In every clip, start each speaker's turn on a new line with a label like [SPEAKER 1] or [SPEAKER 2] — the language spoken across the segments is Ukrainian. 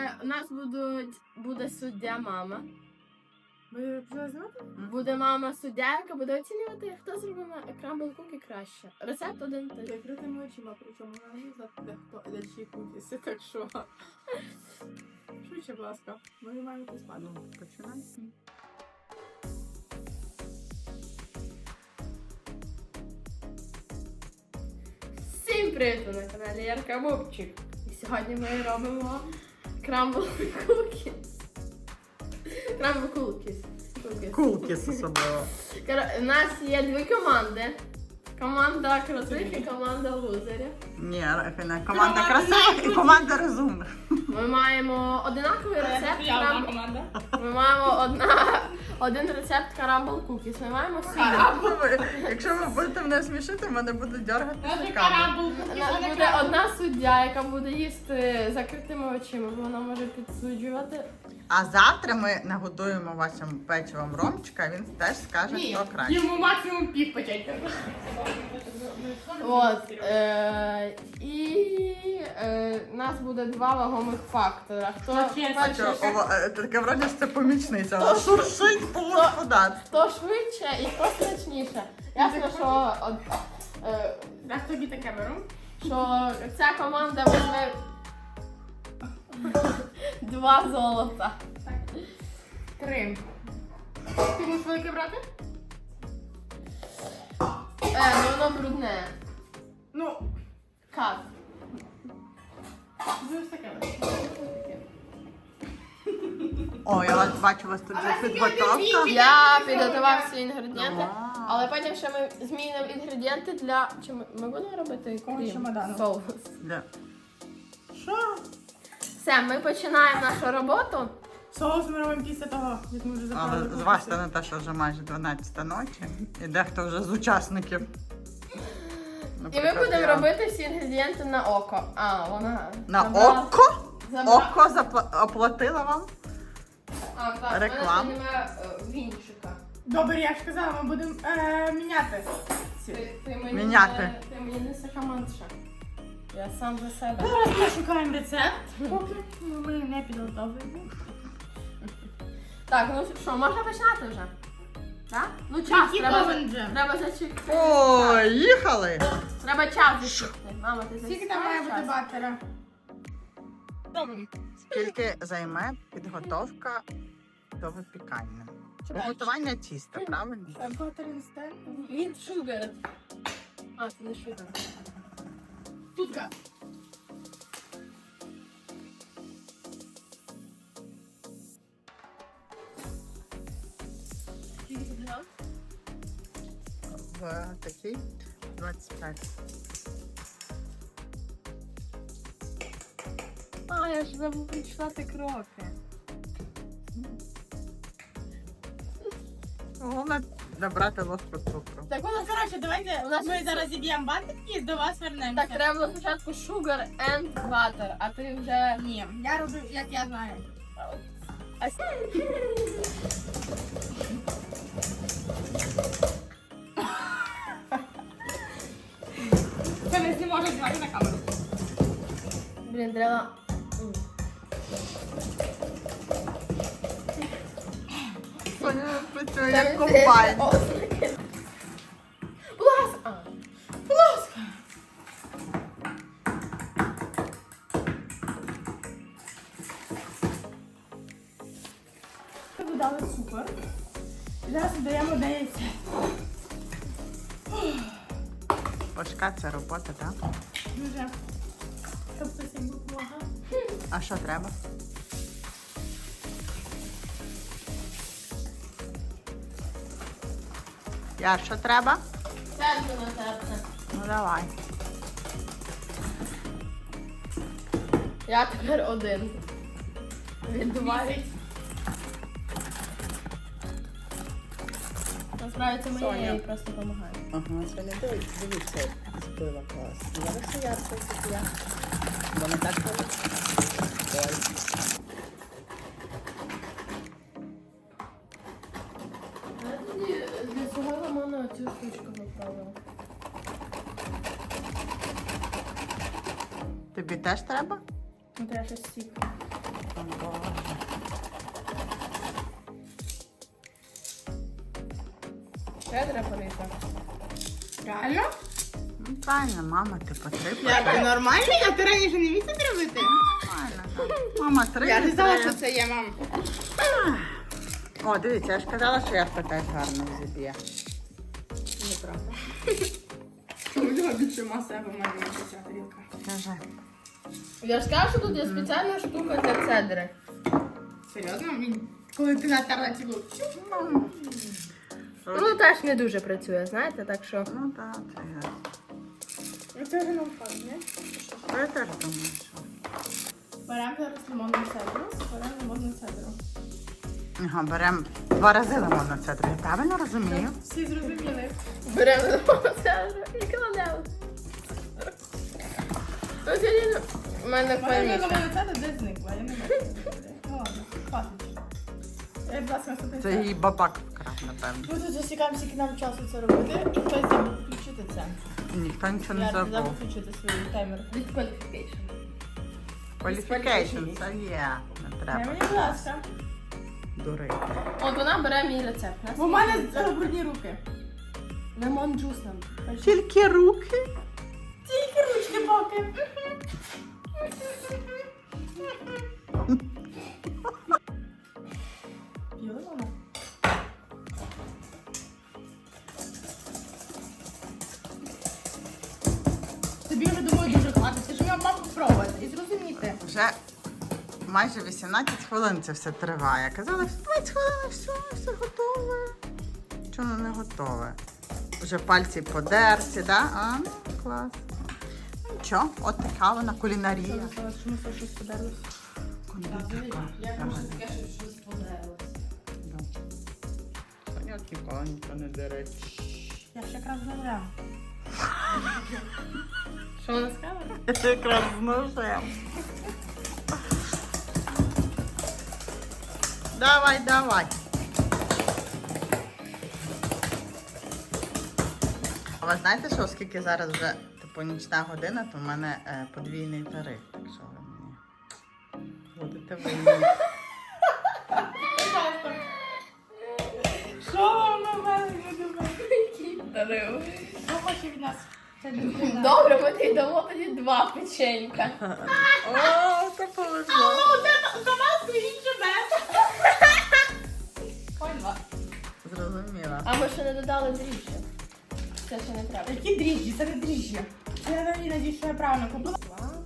[SPEAKER 1] У нас буде суддя мама.
[SPEAKER 2] Ви вже знаєте?
[SPEAKER 1] Буде мама суддя, яка буде оцінювати, хто зробив крамбл кукі краще. Рецепт один той.
[SPEAKER 2] Закритими очима, причому вона не знає, хто де чиї кукіси, так що... Швидше, будь ласка, ми маємо йти спати.
[SPEAKER 3] Ну, починаємо.
[SPEAKER 1] Всім привіт! Ви на каналі Ярка Бубчик. І сьогодні ми робимо крамбл кукіс. Крамбл кукіс.
[SPEAKER 3] Кулкіс особливо.
[SPEAKER 1] У нас є дві команди. Команда крутих і команда лузерів.
[SPEAKER 3] Ні, команда красивих і команда розумних.
[SPEAKER 1] Ми маємо одинаковий рецепт.
[SPEAKER 2] Я одна команда.
[SPEAKER 1] Ми маємо один рецепт карамбл кукіс. Ми маємо свій.
[SPEAKER 3] Якщо ви будете мене смішити, мене будуть дергати
[SPEAKER 2] Це
[SPEAKER 3] щеками.
[SPEAKER 2] карамбл.
[SPEAKER 1] У нас буде одна суддя, яка буде їсти закритими очима, бо вона може підсуджувати.
[SPEAKER 3] А завтра ми нагодуємо вашим печивом Ромчика, він теж скаже, хто краще.
[SPEAKER 2] Йому максимум пів печенька.
[SPEAKER 1] От. І у нас буде два вагомих фактора. Хто перший,
[SPEAKER 3] Таке вроді, що це помічниця, вона шуршить по господарству.
[SPEAKER 1] хто швидше і хто смачніше. Ясно, що,
[SPEAKER 2] Дай тобі таке беру.
[SPEAKER 1] що ця команда візьме 2 золота.
[SPEAKER 2] 3. Ти будеш велике брати?
[SPEAKER 1] Воно брудне.
[SPEAKER 2] Ну,
[SPEAKER 1] Как?
[SPEAKER 2] будеш таке.
[SPEAKER 3] О, я вас бачу, у вас тут вже підготовка.
[SPEAKER 1] Я підготував всі інгредієнти,
[SPEAKER 3] Вау.
[SPEAKER 1] але потім ще ми змінимо інгредієнти для... Чи ми будемо робити крім
[SPEAKER 2] чемодану?
[SPEAKER 1] соус?
[SPEAKER 3] Де?
[SPEAKER 2] Що?
[SPEAKER 1] Все, ми починаємо нашу роботу.
[SPEAKER 2] Соус ми робимо після того, як ми вже заправили.
[SPEAKER 3] Але зважте на те, що вже майже 12 ночі. І дехто вже з учасників.
[SPEAKER 1] І ми
[SPEAKER 3] Наприклад,
[SPEAKER 1] будемо
[SPEAKER 3] я.
[SPEAKER 1] робити всі інгредієнти на око. А, вона...
[SPEAKER 3] На
[SPEAKER 1] забрала-
[SPEAKER 3] око?
[SPEAKER 1] забрала-
[SPEAKER 3] Око оплатила вам?
[SPEAKER 1] А, так,
[SPEAKER 3] Реклама.
[SPEAKER 1] в мене ще немає вінчика.
[SPEAKER 2] Добре, я ж казала, ми будемо міняти.
[SPEAKER 1] Ти мені
[SPEAKER 3] Міняти.
[SPEAKER 1] Ти мені не сакаманша. Я сам за себе.
[SPEAKER 2] Зараз ми шукаємо рецепт. Поки ми не підготовлені.
[SPEAKER 1] Так, ну що, можна починати вже? Так? Ну час, треба зачекати.
[SPEAKER 3] О, їхали!
[SPEAKER 1] Треба час зачекати. Мама, ти
[SPEAKER 2] Скільки там має бути баттера?
[SPEAKER 3] Скільки займе підготовка до випікання? Приготування тіста, правильно?
[SPEAKER 2] Баттер інстент.
[SPEAKER 1] Він шугар. А, це не шугар.
[SPEAKER 2] Тутка.
[SPEAKER 1] Скільки ти взяв?
[SPEAKER 3] В такий 25.
[SPEAKER 1] А, я ж забув почитати кроки.
[SPEAKER 3] Головне набрати ложку цукру.
[SPEAKER 2] Так, ну, коротше, давайте
[SPEAKER 1] У нас
[SPEAKER 2] ми
[SPEAKER 1] є
[SPEAKER 2] зараз зіб'ємо баттер і до вас вернемося.
[SPEAKER 1] Так, треба було спочатку sugar and butter, а ти вже...
[SPEAKER 2] Ні, я роблю, як я знаю.
[SPEAKER 1] А
[SPEAKER 2] Це не може знімати на камеру.
[SPEAKER 1] Блін, треба...
[SPEAKER 3] Соня працює як комбайн.
[SPEAKER 1] Будь ласка!
[SPEAKER 2] Будь ласка. Ми додали цукор. І зараз додаємо яйця.
[SPEAKER 3] Важка це робота, так?
[SPEAKER 2] Дуже. Тобто всім допомагав.
[SPEAKER 3] А що треба? Яр, що треба?
[SPEAKER 1] Серце на серце.
[SPEAKER 3] Ну давай.
[SPEAKER 1] Я тепер один. Віддуваю. Насправді це мені,
[SPEAKER 3] Соня.
[SPEAKER 1] я їй просто допомагаю.
[SPEAKER 3] Ага, Соня, дивіться, збила клас. Зараз я все я. Бо не так робить. Ой.
[SPEAKER 1] Я тоді для цього лимону цю штучку попробувала.
[SPEAKER 3] Тобі теж треба?
[SPEAKER 1] Ну, треба щось сік.
[SPEAKER 3] А, Боже.
[SPEAKER 1] Ще треба порити.
[SPEAKER 2] Реально?
[SPEAKER 3] Ну, правильно, мама, ти потрібна.
[SPEAKER 2] Я ти нормальний? А ти раніше не міг це робити?
[SPEAKER 3] Нормально. Мама, три.
[SPEAKER 2] Я не знала,
[SPEAKER 3] три.
[SPEAKER 2] що це є, мам.
[SPEAKER 3] О, дивіться, я ж казала, що я теж гарно зіб'є.
[SPEAKER 2] Неправда. У нього більше маси, або має більше ця тарілка.
[SPEAKER 3] Кажи.
[SPEAKER 1] Я ж сказала, що тут є спеціальна штука для цедри.
[SPEAKER 2] Серйозно? Він, коли ти натерла цілу.
[SPEAKER 1] Ну, теж не дуже працює, знаєте, так що...
[SPEAKER 3] Ну так, це я.
[SPEAKER 2] Ну це вже нам факт, не?
[SPEAKER 3] Я теж думаю, що.
[SPEAKER 2] Беремо зараз лимонну цедру, беремо лимонну цедру.
[SPEAKER 3] Ага, беремо 2 рази лимонну цедру. Я правильно розумію?
[SPEAKER 2] Всі зрозуміли.
[SPEAKER 1] Беремо цедру і кладемо. Ну, сьогодні в мене
[SPEAKER 2] Вона
[SPEAKER 1] паніка.
[SPEAKER 2] лимонну цедру десь зникла, я не бачу. Ну ладно, хватить. Я, будь ласка, наступний
[SPEAKER 3] Це її бабак вкрав, напевно.
[SPEAKER 2] Ми тут засікаємо, скільки нам часу це робити, і хтось забув включити це.
[SPEAKER 3] Ніхто нічого не
[SPEAKER 2] Я
[SPEAKER 3] забув.
[SPEAKER 2] забув включити свій таймер.
[SPEAKER 1] Disqualification.
[SPEAKER 3] Qualification, це є. Не
[SPEAKER 2] Дай
[SPEAKER 3] треба
[SPEAKER 2] мені, будь ласка.
[SPEAKER 3] дурити.
[SPEAKER 1] От вона бере мій рецепт.
[SPEAKER 2] Бо в мене брудні руки.
[SPEAKER 1] Лимон джус нам.
[SPEAKER 3] Тільки руки.
[SPEAKER 2] Тільки ручки поки. П'ю лимона. Тобі вже, думаю, дуже хватить. Ти ж мав спробувати і зрозуміти.
[SPEAKER 3] Вже майже 18 хвилин це все триває. Казали, 20 хвилин, все готове. Чому не готове? Вже пальці подерті, да? А, ну, клас. Ну, нічого, от така вона кулінарія.
[SPEAKER 2] Чому це щось подарилось?
[SPEAKER 3] Кондитерка.
[SPEAKER 1] таке, що щось подарилось.
[SPEAKER 3] Да. Соня от ніколи нічого не дере.
[SPEAKER 2] Я ж якраз забрала.
[SPEAKER 1] Що вона сказала?
[SPEAKER 3] Це якраз з ножем. Давай, давай. А ви знаєте, що оскільки зараз вже типу нічна година, то в мене подвійний тариф. Так що ви мені будете винні.
[SPEAKER 2] Що вам на мене думає?
[SPEAKER 1] Дарив.
[SPEAKER 2] Що хоче від нас? Це дитина.
[SPEAKER 1] Добре, ми тобі дамо тоді 2 печенька.
[SPEAKER 3] О, це повезло.
[SPEAKER 2] До нас стоїть живе. Поняла.
[SPEAKER 3] Зрозуміла.
[SPEAKER 1] А ми ще не додали дріжджі. Це ще не треба.
[SPEAKER 2] Які дріжджі? Це не дріжджі. Я надіюсь, що я правильно купила.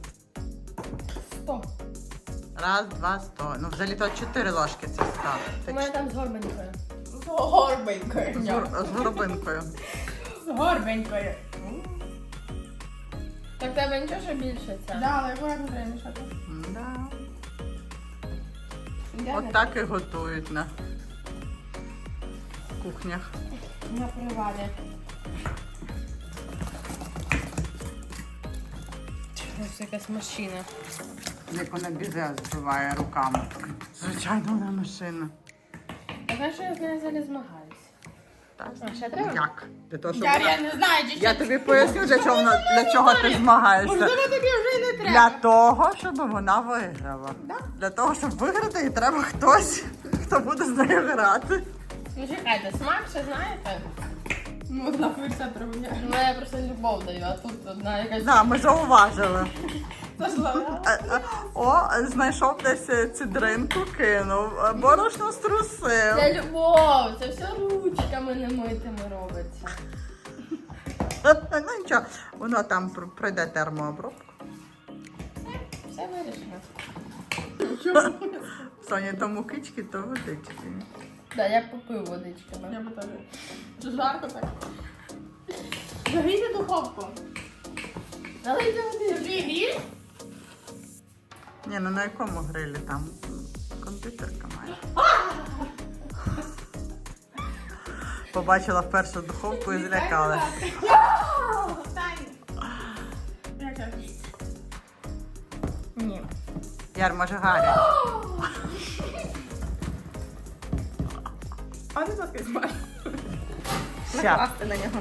[SPEAKER 2] 100.
[SPEAKER 3] Раз, два, 100. Ну, взагалі то 4 ложки це 100.
[SPEAKER 1] У
[SPEAKER 3] Це
[SPEAKER 1] мене там з горбанькою.
[SPEAKER 2] З горбенькою.
[SPEAKER 3] з горобинкою.
[SPEAKER 2] З горбенькою.
[SPEAKER 1] Так тебе нічого, що більше це?
[SPEAKER 2] Да, але акуратно треба мішати.
[SPEAKER 3] Да.
[SPEAKER 1] Де
[SPEAKER 3] От
[SPEAKER 1] не?
[SPEAKER 3] так і готують на кухнях.
[SPEAKER 2] На привалі.
[SPEAKER 1] Ось якась машина.
[SPEAKER 3] Як вона бізе збиває руками. Звичайно, вона машина.
[SPEAKER 1] Так, що я з нею взагалі змагаюся?
[SPEAKER 3] Так.
[SPEAKER 1] А, ще треба?
[SPEAKER 3] Як? Для того, щоб
[SPEAKER 2] Я
[SPEAKER 3] вона...
[SPEAKER 2] не знаю, чи
[SPEAKER 3] Я тобі поясню, для чого ти змагаєшся.
[SPEAKER 2] Можливо, тобі вже й не треба.
[SPEAKER 3] Для того, щоб вона виграла. Для того, щоб виграти, їй треба хтось, хто буде з нею грати.
[SPEAKER 1] Ну чекайте, смак ще знаєте?
[SPEAKER 2] Ну, однаково рецепт робить.
[SPEAKER 1] Ну я просто любов даю, а тут одна якась...
[SPEAKER 3] Да, ми зауважили.
[SPEAKER 2] Зашла.
[SPEAKER 3] О, знайшов десь цидринку, кинув, борошно струсив.
[SPEAKER 1] Це любов, це все ручками немитими робиться.
[SPEAKER 3] Ну нічого, воно там пройде термообробку.
[SPEAKER 1] Все вирішено.
[SPEAKER 3] Соня, то мукички, то водички.
[SPEAKER 1] Да, я попив водичками.
[SPEAKER 2] Я би теж. Чи жарко так? Загрійте духовку.
[SPEAKER 1] Налийте води.
[SPEAKER 2] Тобі гріль?
[SPEAKER 3] Ні, ну на якому грилі там кондитерка має. Побачила вперше духовку і злякалась.
[SPEAKER 2] Встань. Як це?
[SPEAKER 1] Ні.
[SPEAKER 3] Яр, може Гаррі?
[SPEAKER 2] А ти так змаш.
[SPEAKER 3] Ща.
[SPEAKER 2] на нього.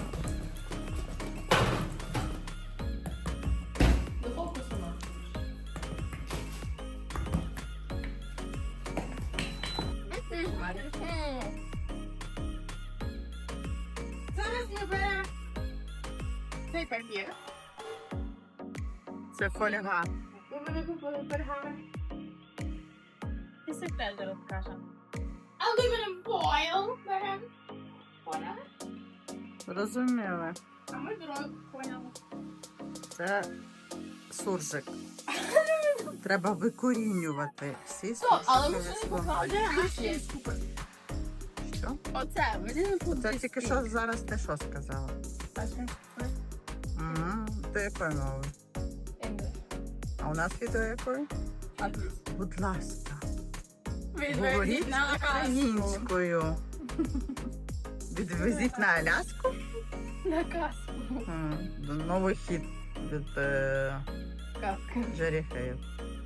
[SPEAKER 1] Духовку сама.
[SPEAKER 2] каламарі. Зараз ми беремо цей папір.
[SPEAKER 3] Це фольга.
[SPEAKER 2] Ми мене купили пергамент. І секрет зараз скажемо. Aluminum foil беремо. Поняли?
[SPEAKER 3] Розуміли.
[SPEAKER 2] А ми дорогу поняли.
[SPEAKER 3] Це суржик. Треба викорінювати всі
[SPEAKER 1] Але ми
[SPEAKER 3] суржикові
[SPEAKER 1] ще не
[SPEAKER 3] слова.
[SPEAKER 1] показали.
[SPEAKER 3] Що?
[SPEAKER 2] Оце, мені не
[SPEAKER 3] Це тільки що зараз ти що сказала? Ти якою мовою? А у нас відео якою? Будь ласка. Говоріть українською. Відвезіть на Аляску.
[SPEAKER 1] На касу.
[SPEAKER 3] Новий хід від Джері Хейл.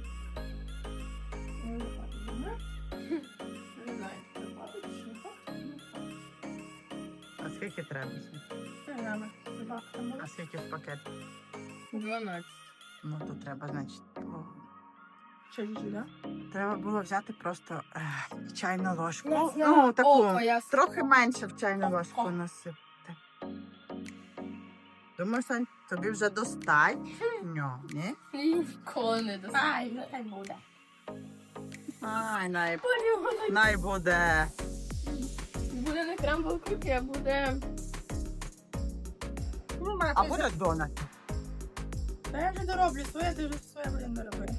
[SPEAKER 2] Не знаю, чи хватить, чи не хватить.
[SPEAKER 3] А скільки треба? А скільки в пакет?
[SPEAKER 2] 12.
[SPEAKER 3] Ну, то треба, значить,
[SPEAKER 2] Що чуть-чуть, да?
[SPEAKER 3] треба було взяти просто чайну ложку.
[SPEAKER 1] Я
[SPEAKER 3] Ну,
[SPEAKER 1] знаю.
[SPEAKER 3] таку,
[SPEAKER 1] О, я
[SPEAKER 3] трохи менше в чайну ложку насипати. Думаю, Сань, тобі вже достатньо, ні?
[SPEAKER 1] Ніколи не достатньо.
[SPEAKER 2] Ай, нехай буде.
[SPEAKER 3] Ай, най буде.
[SPEAKER 1] Буде не крамбл кукі, а буде...
[SPEAKER 3] А буде донат.
[SPEAKER 2] Та я вже дороблю своє, ти вже своє будемо доробити.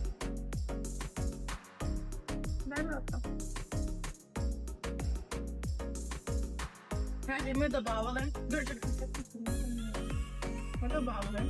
[SPEAKER 2] Дай ротно. І ми додавали. Дуже ми додавали.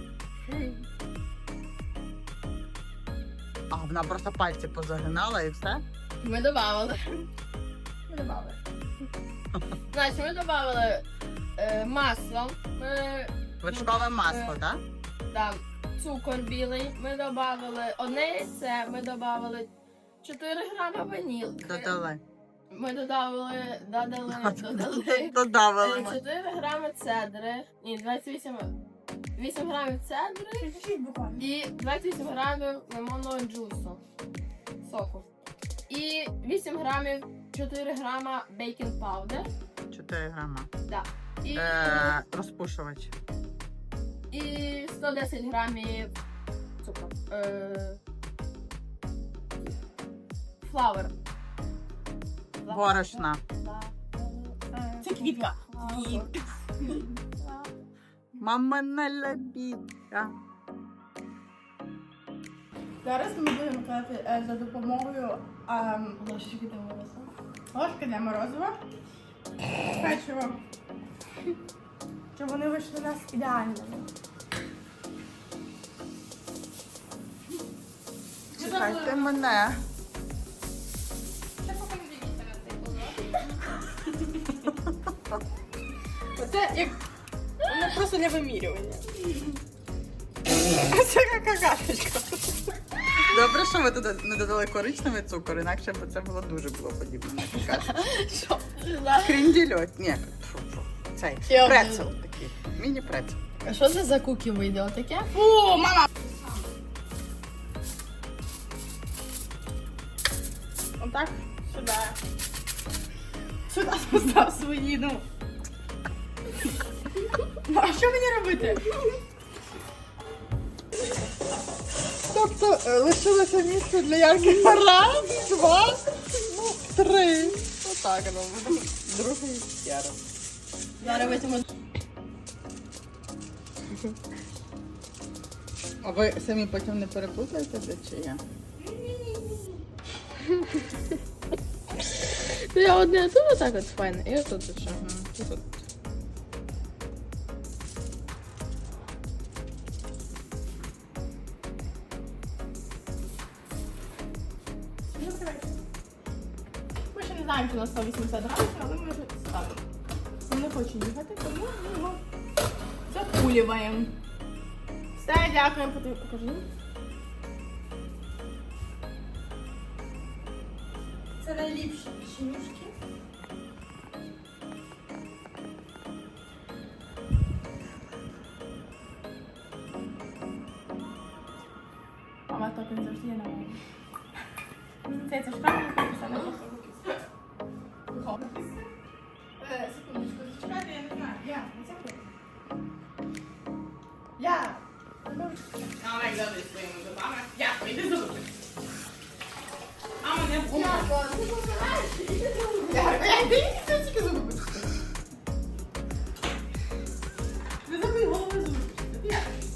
[SPEAKER 3] А вона просто пальці позагинала і все.
[SPEAKER 1] Ми додавали.
[SPEAKER 2] Ми додавали.
[SPEAKER 1] Значить, ми додавали масло, ми
[SPEAKER 3] Вершкове масло, так?
[SPEAKER 1] там цукор білий, ми додавали одне яйце, ми додавали 4 грами ванілки.
[SPEAKER 3] Додали.
[SPEAKER 1] Ми додали
[SPEAKER 3] Додавали.
[SPEAKER 1] 4 грами цедри, ні, 8 грамів цедри і 28 грамів лимонного джусу, соку. І 8 грамів, 4 грама бейкінг паудер.
[SPEAKER 3] 4 грама.
[SPEAKER 1] Да. І,
[SPEAKER 3] Розпушувач.
[SPEAKER 1] і 110 грамів цукру. Флауер.
[SPEAKER 3] Борошна.
[SPEAKER 2] Це квітка.
[SPEAKER 3] Мамина лебідка.
[SPEAKER 2] Зараз ми будемо казати за допомогою
[SPEAKER 1] Ложечки для морозива.
[SPEAKER 2] ложки для морозива, печиво, щоб вони вийшли у нас ідеальними.
[SPEAKER 3] Чекайте мене.
[SPEAKER 2] Оце як воно просто для вимірювання. Це як какашечка.
[SPEAKER 3] Добре, що ви туди не додали коричневий цукор, інакше б це було подібне на какашку.
[SPEAKER 1] Що?
[SPEAKER 3] Кріндільот. Ні, фу. Цей
[SPEAKER 1] Я
[SPEAKER 3] прецел такий. Міні-прецел.
[SPEAKER 1] А що це за кукі вийде? Отаке?
[SPEAKER 2] Фу, мама! Отак, сюди. Сюди постав свої, ну. Ну, а що мені робити?
[SPEAKER 3] Тобто лишилося місце для ярких раз, 2, 3. Отак робимо. Другий ярок.
[SPEAKER 1] Зараз витягну.
[SPEAKER 3] А ви самі потім не переплутаєте, де чи я?
[SPEAKER 1] Я одне тут отак от файне, і отут ще. І тут.
[SPEAKER 2] Ми ще не знаємо, чи на 180 градусів, але ми вже ставимо. Він не хоче їхати, тому ми його закулюємо. Все, дякуємо, покажи. Це найліпші печенюшки. Мама так не завжди є на мене. Це ж правильно, це не
[SPEAKER 1] Ярко, ти помираєш?
[SPEAKER 2] Ярко, я йди тільки зуби почистити. Не забудь голову зуби почистити.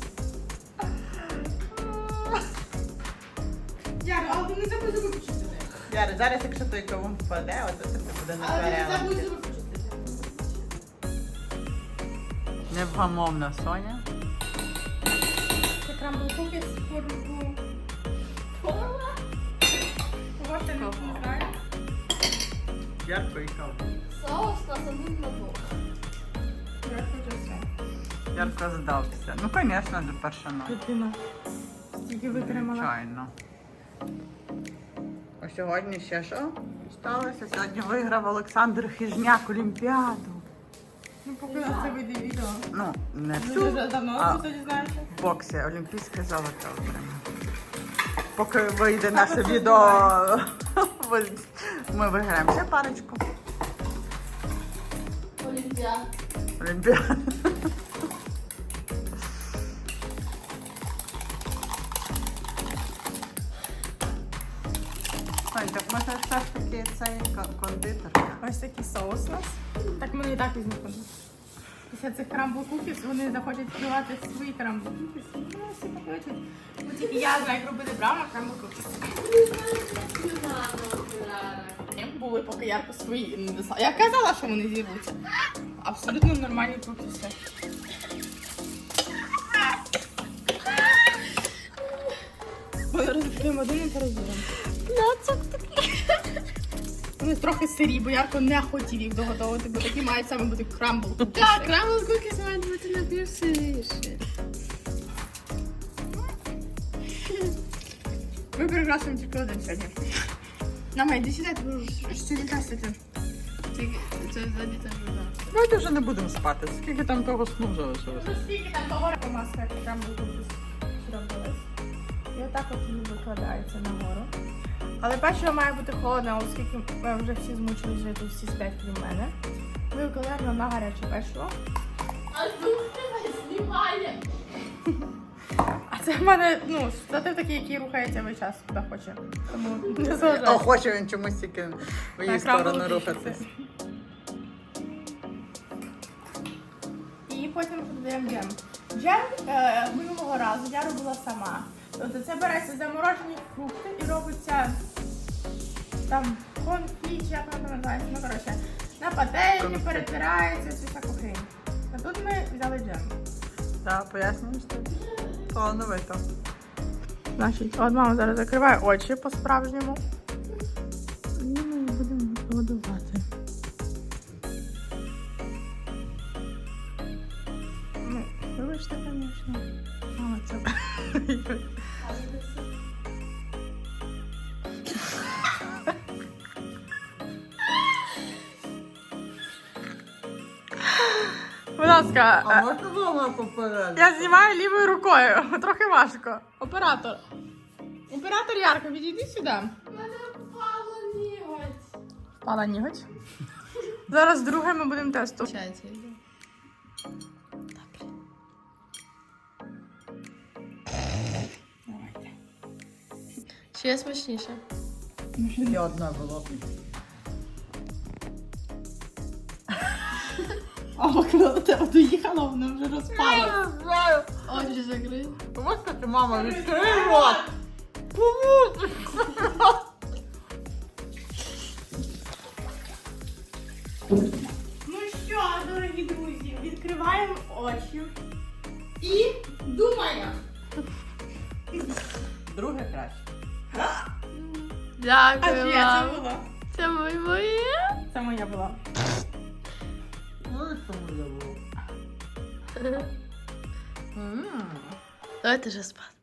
[SPEAKER 2] Ярко, але ти не забудь зуби почистити.
[SPEAKER 3] Яра, зараз якщо той кавун впаде, от це буде
[SPEAKER 2] Але ти не забудь
[SPEAKER 3] непереливки.
[SPEAKER 2] зуби почистити.
[SPEAKER 3] Невгамовна Соня.
[SPEAKER 2] Це крамбл куки з форму. Кого ще не знаю.
[SPEAKER 3] Ярко і кавун.
[SPEAKER 1] Соус насадив на двох.
[SPEAKER 2] Я хочу все.
[SPEAKER 3] Ярко здався. Ну, звісно, до перша ночі.
[SPEAKER 2] Дитина. Стільки витримала.
[SPEAKER 3] Звичайно. А сьогодні ще що сталося? Сьогодні виграв Олександр Хижняк Олімпіаду.
[SPEAKER 2] Ну, поки на це вийде відео.
[SPEAKER 3] Ну, не
[SPEAKER 2] Ми
[SPEAKER 3] всю,
[SPEAKER 2] вже давно
[SPEAKER 3] а
[SPEAKER 2] це дізнаємося.
[SPEAKER 3] в боксі олімпійське золото отримав. Поки вийде наше відео, ми виграємо ще парочку.
[SPEAKER 1] Олімпіад.
[SPEAKER 3] Олімпіаду. Ой, так може все ж таки цей кондитер.
[SPEAKER 2] Ось такий соус у нас. Так ми і так візьмемо. Після цих крамбл кукіс вони захочуть вбивати свої крамбл кукіс. Ну, всі покличуть. Бо тільки я знаю, як робити брама крамбл кукіс. Були поки ярко свої не досла. Я казала, що вони зірвуться. Абсолютно нормальні кукіси. Ми розкриємо один і перевіримо. Вони трохи сирі, бо Ярко не хотів їх доготовити, бо такі мають саме бути крамбл кукіси.
[SPEAKER 1] Так, крамбл кукіс мають бути напівсиріше.
[SPEAKER 2] Ми перекрасуємо тільки один сьогодні. Нама, йди сюди, ти сьогодні красити.
[SPEAKER 1] Тільки це ззаді теж вода.
[SPEAKER 3] Давайте вже не будемо спати. Скільки там того сну залишилося?
[SPEAKER 2] Ну скільки там того маска, як крамбл кукіс зробилась. І отак от він викладається нагору. Але першого має бути холодно, оскільки ми вже всі змучились жити, всі сплять крім мене. Ми викладаємо на гаряче печло.
[SPEAKER 1] А тут тебе знімає.
[SPEAKER 2] А це в мене, ну, штатив такий, який рухається весь час, куди хоче. Тому не
[SPEAKER 3] О,
[SPEAKER 2] заважайте.
[SPEAKER 3] хоче він чомусь тільки в її
[SPEAKER 2] Так, крамбл
[SPEAKER 3] сторону
[SPEAKER 2] кукіси.
[SPEAKER 3] рухатись.
[SPEAKER 2] І потім додаємо джем. Джем минулого разу я робила сама. Тобто це береться заморожені фрукти і робиться там конфі, чи як воно називається, ну коротше, на пательні
[SPEAKER 3] Конфі.
[SPEAKER 2] перетирається, цю всяку хрень. А тут ми взяли джем.
[SPEAKER 3] Так, пояснюєш ти? Плановито.
[SPEAKER 2] Значить, от мама зараз закриває очі по-справжньому. І ми її будемо годувати. Ну, вибачте, звісно. Мама, це... Будь ласка,
[SPEAKER 3] можна було попередити?
[SPEAKER 2] я знімаю лівою рукою. Трохи важко. Оператор. Оператор Ярко, відійди сюди.
[SPEAKER 1] У мене впало ніготь.
[SPEAKER 2] Впала ніготь. Зараз друге ми будемо тестувати.
[SPEAKER 1] Получається, йде.
[SPEAKER 2] Давайте.
[SPEAKER 1] Чи є смачніше?
[SPEAKER 3] Ще одне було.
[SPEAKER 2] А коли до тебе доїхала, вона вже розпала.
[SPEAKER 1] Очі закрий.
[SPEAKER 3] Ось таки, мама, відкрий рот!
[SPEAKER 2] Ну що, дорогі друзі, відкриваємо очі і думаємо.
[SPEAKER 3] Друге краще.
[SPEAKER 2] А
[SPEAKER 1] Дякую
[SPEAKER 2] чия це
[SPEAKER 1] вам.
[SPEAKER 2] була?
[SPEAKER 1] Це моє.
[SPEAKER 2] Це моя була.
[SPEAKER 3] Ну і що моє було?
[SPEAKER 1] Давайте вже спати.